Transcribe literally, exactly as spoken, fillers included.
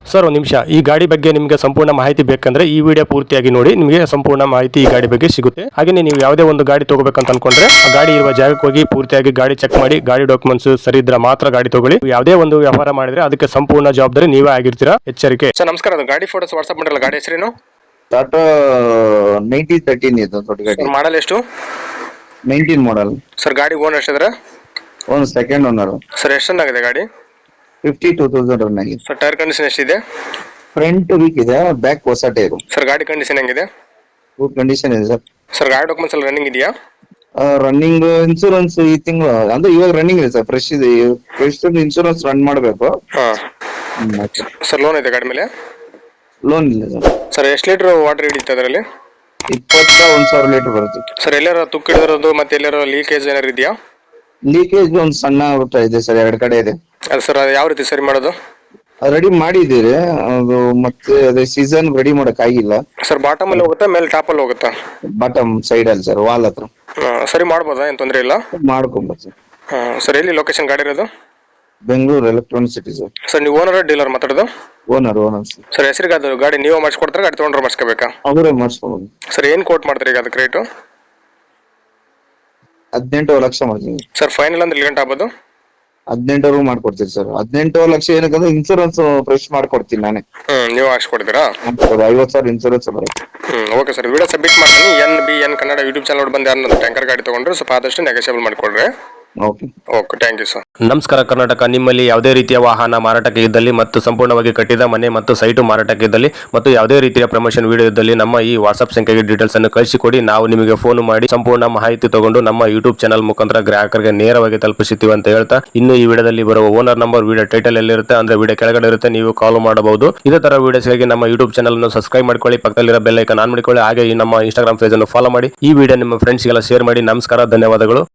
Sir ಒಂದು ನಿಮಿಷ, ಈ ಗಾಡಿ ಬಗ್ಗೆ ನಿಮಗೆ ಸಂಪೂರ್ಣ ಮಾಹಿತಿ ಬೇಕಂದ್ರೆ ಈ ವಿಡಿಯೋ ಪೂರ್ತಿಯಾಗಿ ನೋಡಿ, ನಿಮಗೆ ಸಂಪೂರ್ಣ ಮಾಹಿತಿ ಈ ಗಾಡಿ ಬಗ್ಗೆ ಸಿಗುತ್ತೆ. ಹಾಗೆ ನೀವು ಯಾವುದೇ ಒಂದು ಗಾಡಿ ತಗೋಬೇಕಂತ ಅನ್ಕೊಂಡ್ರೆ ಆ ಗಾಡಿ ಇರುವ ಜಾಗಕ್ಕೆ ಹೋಗಿ ಪೂರ್ತಿಯಾಗಿ ಗಾಡಿ ಚೆಕ್ ಮಾಡಿ, ಗಾಡಿ ಡಾಕ್ಯುಮೆಂಟ್ಸ್ ಸರಿ ಇದ್ರೆ ಮಾತ್ರ ಗಾಡಿ ತಗೊಳ್ಳಿ. ಯಾವುದೇ ಒಂದು ವ್ಯವಹಾರ ಮಾಡಿದ್ರೆ ಅದಕ್ಕೆ ಸಂಪೂರ್ಣ ಜವಾಬ್ದಾರಿ ನೀವೇ ಆಗಿರ್ತೀರಾ, ಎಚ್ಚರಿಕೆ. ಸರ್ ನಮಸ್ಕಾರ, ಅದು ಗಾಡಿ ಫೋಟೋಸ್ ವಾಟ್ಸ್ಆಪ್ ಮಾಡಿರಲ್ಲ, ಗಾಡಿ ಹೆಸರೇನು? ಟಾಟಾ ನೈನ್ಟೀನ್ ತರ್ಟೀನ್ ಇದು ದೊಡ್ಡ ಗಾಡಿ. ಮಾಡಲ್ ಎಷ್ಟು? Nineteen model. ಸರ್ ಗಾಡಿ ಓನರ್ ಎಷ್ಟಿದ್ರೆ? ಒಂದು ಸೆಕೆಂಡ್ ಓನರ್. ಸರ್ ಎಷ್ಟು ಚೆನ್ನಾಗಿದೆ ಗಾಡಿ? ಫಿಫ್ಟಿ ಟೂ ತೌಸಂಡ್ ರನ್ ಆಗಿದೆ. ಸರ್ ಟೈರ್ ಕಂಡೀಷನ್ ಎಷ್ಟಿದೆ? ಫ್ರಂಟ್ ವೀಕ್ ಇದೆ, ಬ್ಯಾಕ್ ಹೊಸ ಟೈರು. ಸರ್ ಗಾಡಿ ಕಂಡೀಷನ್ ಹೆಂಗಿದೆ? ಗುಡ್ ಕಂಡೀಷನ್ ಇದೆ ಸರ್. ಸರ್ ಗಾಡಿ ಡಾಕ್ಯುಮೆಂಟ್ಸ್ ಎಲ್ಲ ರನ್ನಿಂಗ್ ಇದೆಯಾ? ರನ್ನಿಂಗ್ ಇನ್ಶೂರೆನ್ಸ್ ಈ ತಿಂಗಳು ಅಂದ್ರೆ ಇವಾಗ ರನ್ನಿಂಗ್ ಇದೆ ಸರ್, ಫ್ರೆಶ್ ಇದೆ. ಫ್ರೆಶ್ ಇನ್ಶೂರೆನ್ಸ್ ರನ್ ಮಾಡಬೇಕು. ಸರ್ ಲೋನ್ ಇದೆ ಗಾಡಿ ಮೇಲೆ? ಲೋನ್ ಇಲ್ಲ ಸರ್. ಸರ್ ಎಷ್ಟು ಲೀಟರ್ ವಾಟರ್ ಹಿಡಿಯುತ್ತೆ ಅದರಲ್ಲಿ? ಇಪ್ಪತ್ತ ಒಂದ್ ಸಾವಿರ ಲೀಟರ್ ಬರುತ್ತೆ. ಸರ್ ಎಲ್ಲಾರ ತುಕ್ಕು ಹಿಡಿದಿರೋದು ಮತ್ತೆ ಎಲ್ಲಾರ ಲೀಕೇಜ್ ಏನಾರು ಇದೆಯಾ? ಲೀಕೇಜ್ ಒಂದು ಸಣ್ಣ ಊಟ ಇದೆ ಸರ್, ಎರಡು ಕಡೆ ಇದೆ. ಅದು ಸರ್ ಅದು ಯಾವ ರೀತಿ ಸರಿ ಮಾಡೋದು? ರೆಡಿ ಮಾಡಿದ್ದೀರಿ ಅದು, ಮತ್ತೆ ಅದೇ ಸೀಸನ್ ರೆಡಿ ಮಾಡಕ್ ಆಗಿಲ್ಲ ಸರ್. ಬಾಟಮ್ ಅಲ್ಲಿ ಹೋಗುತ್ತಾ ಮೇಲೆ ಟಾಪ್ ಅಲ್ಲಿ ಹೋಗುತ್ತಾ? ಬಾಟಮ್ ಸೈಡ್ ಅಲ್ಲಿ ಸರ್, ವಾಲ್ ಹತ್ರ. ಸರಿ ಮಾಡ್ಬೋದಾ, ಏನ್ ತೊಂದರೆ ಇಲ್ಲ? ಮಾಡ್ಕೊಂಬೋದು ಸರ್. ಸರ್ ಎಲ್ಲಿ ಲೊಕೇಶನ್ ಗಾಡಿ ಇರೋದು? Bengaluru electronic city sir. Sir ನೀವು ಓನರ್ ಡೀಲರ್ ಮಾತಾಡೋದು? Owner owner sir. ಸರ್ ಹೆಸರಿಗೆ ಅದು ಗಾಡಿ ನೀವು ಮಾಡಿಸ್ಕೊಡ್ತಾರೆ, ಗಾಡಿ ತೊಗೊಂಡ್ರೆ ಮಾಡಿಸ್ಕೋಬೇಕಾ? ಅವರೇ ಮಾಡಿಸ್ಕೊಬೋದು ಸರ್. ಏನ್ ಕೋಟ್ ಮಾಡ್ತಾರೆ ಈಗ ಅದಕ್ಕೆ ರೇಟು? ಹದಿನೆಂಟು ಲಕ್ಷ ಮಾಡ್ತೀವಿ ಸರ್. ಫೈನಲ್ ಅಂದ್ರೆ ಗಂಟೆ ಆಗ್ಬೋದು? ಹದಿನೆಂಟು ಮಾಡ್ಕೊಡ್ತೀವಿ ಸರ್. ಹದಿನೆಂಟು ಲಕ್ಷ ಏನಕ್ಕಂದ್ರೆ ಇನ್ಸೂರೆನ್ಸ್ ಫ್ರೆಶ್ ಮಾಡ್ಕೊಡ್ತೀನಿ ನಾನೇ. ಹ್ಮ್ ನೀವು ಹಾಕ್ಸ್ಕೊಡ್ತೀರಾ? ಐವತ್ತು ಸಾವಿರ ಇನ್ಸೂರೆನ್ಸ್ ಬರುತ್ತೆ. Hmm okay sir. Video submit ಮಾಡ್ತೀನಿ. N B N Kannada YouTube channel ಬಂದು ಯಾರು ಟ್ಯಾಂಕರ್ ಗಾಡಿ ತಗೊಂಡ್ರೆ ಸ್ವಲ್ಪ ಆದಷ್ಟು ನೆಗೋಷಿಯಬಲ್ ಮಾಡ್ಕೊಡ್ರಿ. Okay okay, thank you sir. ನಮಸ್ಕಾರ ಕರ್ನಾಟಕ. ನಿಮ್ಮಲ್ಲಿ ಯಾವುದೇ ರೀತಿಯ ವಾಹನ ಮಾರಾಟಕ್ಕೆ ಇದ್ದಲ್ಲಿ ಮತ್ತು ಸಂಪೂರ್ಣವಾಗಿ ಕಟ್ಟಿದ ಮನೆ ಮತ್ತು ಸೈಟು ಮಾರಾಟಕ್ಕೆ ಇದ್ದಲ್ಲಿ ಮತ್ತು ಯಾವುದೇ ರೀತಿಯ ಪ್ರಮೋಷನ್ ವಿಡಿಯೋ ಇದ್ದಲ್ಲಿ ನಮ್ಮ ಈ ವಾಟ್ಸ್ಆಪ್ ಸಂಖ್ಯೆಗೆ ಡೀಟೇಲ್ಸ್ ಅನ್ನು ಕಳಿಸಿಕೊಡಿ. ನಾವು ನಿಮಗೆ ಫೋನ್ ಮಾಡಿ ಸಂಪೂರ್ಣ ಮಾಹಿತಿ ತಗೊಂಡು ನಮ್ಮ ಯೂಟ್ಯೂಬ್ ಚಾನಲ್ ಮುಖಾಂತರ ಗ್ರಾಹಕರಿಗೆ ನೇರವಾಗಿ ತಲುಪಿಸುತ್ತೀವಿ ಅಂತ ಹೇಳ್ತಾ, ಇನ್ನು ಈ ವಿಡಿಯೋದಲ್ಲಿ ಬರುವ ಓನರ್ ನಂಬರ್ ವಿಡಿಯೋ ಟೈಟಲ್ ಎಲ್ಲಿರುತ್ತೆ ಅಂದ್ರೆ ವಿಡಿಯೋ ಕೆಳಗಡೆ ಇರುತ್ತೆ, ನೀವು ಕಾಲ್ ಮಾಡಬಹುದು. ಇದೇ ತರ ವಿಡಿಯೋಸ್ಗಾಗಿ ನಮ್ಮ ಯೂಟ್ಯೂಬ್ ಚಾನಲ್ ಅನ್ನು ಸಬ್ಸ್ಕ್ರೈಬ್ ಮಾಡ್ಕೊಳ್ಳಿ, ಪಕ್ಕದಲ್ಲಿರೋ ಬೆಲ್ ಐಕಾನ್ ಆನ್ ಮಾಡಿಕೊಳ್ಳಿ. ಹಾಗೆ ಈ ನಮ್ಮ ಇನ್ಸ್ಟಾಗ್ರಾಮ್ ಪೇಜ್ ಅನ್ನು ಫಾಲೋ ಮಾಡಿ. ಈ ವಿಡಿಯೋ ನಿಮ್ಮ ಫ್ರೆಂಡ್ಸ್ಗೆಲ್ಲ ಶೇರ್ ಮಾಡಿ. ನಮಸ್ಕಾರ, ಧನ್ಯವಾದಗಳು.